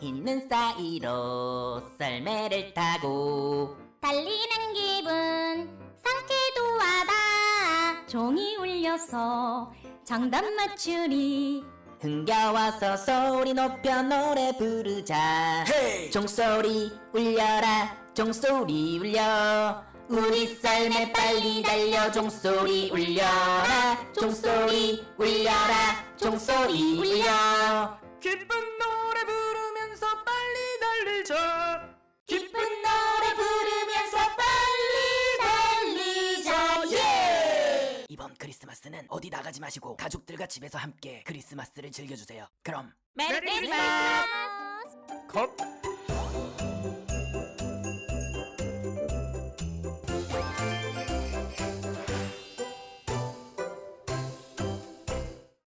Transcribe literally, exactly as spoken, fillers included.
있는 사이로 썰매를 타고 달리는 기분 상쾌도 하다. 종이 울려서 정답 맞추리. 흥겨워서 소리 높여 노래 부르자. 헤이! 종소리 울려라 종소리 울려. 우리 썰매 빨리 달려 종소리 울려라 종소리 울려라 종소리 울려. 기쁜 노래 부르면서 빨리 달리자. 기쁜 노래 부르면서 빨리 달리자. 예! 이번 크리스마스는 어디 나가지 마시고 가족들과 집에서 함께 크리스마스를 즐겨주세요. 그럼 메리 크리스마스. 컷.